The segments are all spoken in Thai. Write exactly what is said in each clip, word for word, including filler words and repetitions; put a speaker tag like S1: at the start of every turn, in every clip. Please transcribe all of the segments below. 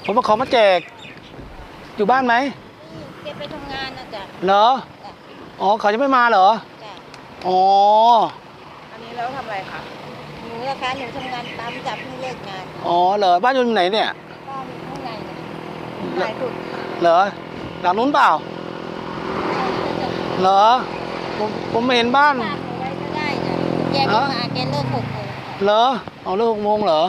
S1: ผมมาขอมาแจกอยู่บ้านไหม
S2: เก็บไปทำงานนะจ๊ะ
S1: เหรออ๋อเขาจะไม่มาเหรอ
S2: จ้ะ
S1: อ๋อ
S3: อันนี้แล้วทำอะไรคะ
S2: หนูนะคะหนูทำงานตามจับเพิ่งเลิกงาน
S1: อ๋อเหรอบ้านอยู่ไหนเนี่ย
S2: บ้านอยู่ข้างในนะหลายจุด
S1: เหรอหลังนู้นเปล่าเหรอผมผมไม่เห็นบ้าน
S2: ฝากหนูไว้ก็ได้จ้ะแกก็มาแกเลิกหกโมง
S1: เหรอเอาเลิกหกโมงเหรอ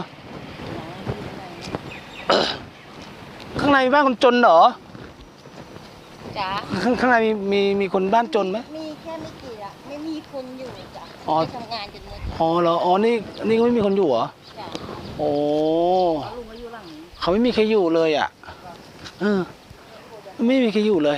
S1: ข้างในมีบ้านคนจนเหรอ
S2: จ้ะ
S1: ข้างข้างในมีมีมีคนบ้านจนไหม
S2: มีแค่ไม่กี่ละไม่มีคนอยู่จ้ะไปทำงานจนหมด
S1: อ๋อเหรออ๋อนี่นี่ก็ไม่มีคนอยู่เหรอ
S2: จ้ะ
S1: โอ้
S3: ลุงก็อยู่หลังนี้
S1: เขาไม่มีใครอยู่เลยอ่ะเออไม่มีใครอยู่เลย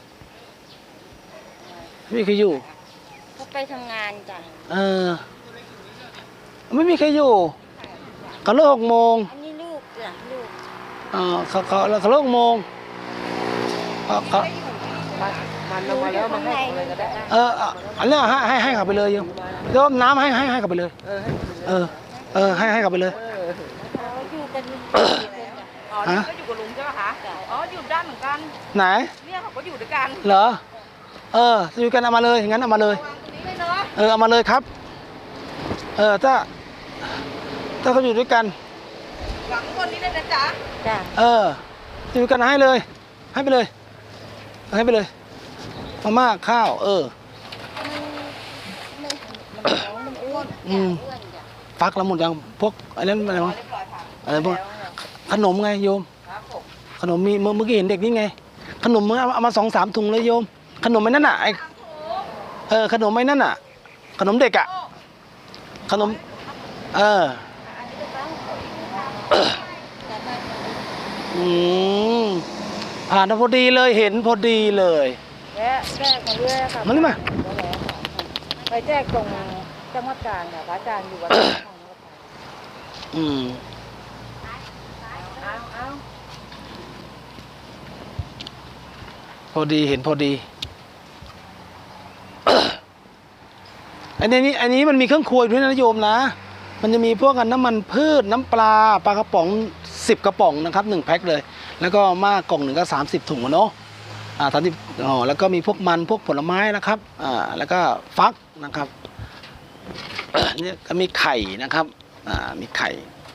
S1: ไม่มีใครอยู่
S2: เขาไปทำงานจ้ะ
S1: เออไม่มีใครอยู่เขาเลิกหกโมง
S2: อันนี้ลูกจ้ะลูก
S1: อ่าเขาเขาเขาเลิกหกโมงเขาเขา
S3: มันเอามาแล้วมาให้เลยก็ได้
S1: เอออันนี้ให้ให้ให้เขาไปเลยโยมโยมน้ำให้ให้ให้เขาไปเลยเออเออให้ให้เขาไปเลย
S2: เขาอยู่กัน
S3: อ๋อนี่ก็อยู่กับลุงใช่ไหมคะอ๋ออยู่ด้านเหมือนกัน
S1: ไหน
S3: เนี่ยเขาก็อยู่ด้วยกัน
S1: เหรอเอออยู่กันเอามาเลยงั้นเอามาเลยเออเอามาเลยครับเออถ้าถ้าเขาอยู่ด้วยกัน
S3: หลังคนนี้ได้นะจ๊ะ
S2: จ้ะ
S1: เอออยู่กันให้เลยให้ไปเลยให้ไปเลยมาม่าข้าวเออ
S2: มันอ้วน
S1: อืมฟักแล้วหมดยังพวกอะไรนั่นอะไรวะอะไรพวกขนมไงโยมขนมมีเมื่อกี้เห็นเด็กนี่ไงขนมเมื่อเอามาสองสามถุงเลยโยมขนมไอ้นั่นน่ะไอเออขนมไอ้นั่นน่ะขนมเด็กอ่ะขนมเอออืมผ่านพอดีเลยเห็นพอดีเลย
S3: แจ๊แจ๊มาเรื่อยค่ะ
S1: มานี่มา
S3: ไปแจกตรงจังหวัดกาญค่ะพระอาจารย์อยู่วัด
S1: อืมพอดีเห็นพอดีอันนี้อันนี้มันมีเครื่องครัวด้วยนะโยมนะมันจะมีพวกกันน้ำมันพืชน้ำปลาปลากระป๋องสิบกระป๋องนะครับหนึ่งแพ็คเลยแล้วก็มากกล่องหนึ่งก็สามสิบถุงเนาะอ่าสามสิบอ๋อแล้วก็มีพวกมันพวกผลไม้นะครับอ่าแล้วก็ฟักนะครับนี่ก็มีไข่นะครับอ่ามีไข่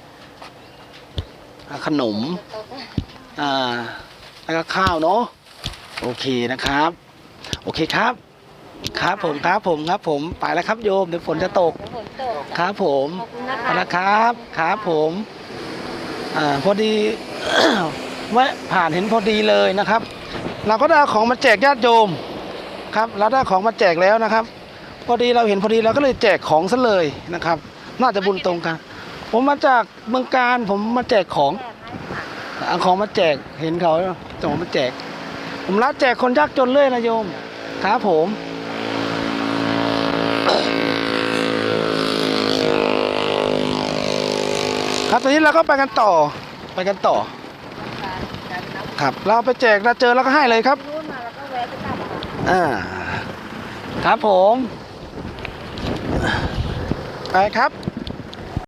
S1: ขนมอ่าแล้วก็ข้าวเนาะโอเคนะครับโอเคครับครับผมครับผมครับผมไปแล้วครับโยมเดี๋ยวฝนจะตกครับผมไปแล้วครับครับผมอ่าพอดีแวะผ่านเห็นพอดีเลยนะครับเราก็ได้ของมาแจกญาติโยมครับเราได้ของมาแจกแล้วนะครับพอดีเราเห็นพอดีเราก็เลยแจกของซะเลยนะครับน่าจะบุญตรงกันผมมาจากเมืองการผมมาแจกของเอาของมาแจกเห็นเขาส่งมาแจกผมรับแจกคนยากจนเลยนะโยมครับผมครับตอนนี้เราก็ไปกันต่อไปกันต่อครับเราไปแจกเราเจอแล้วก็ให้เลยครับอ่าครับผมไปครับ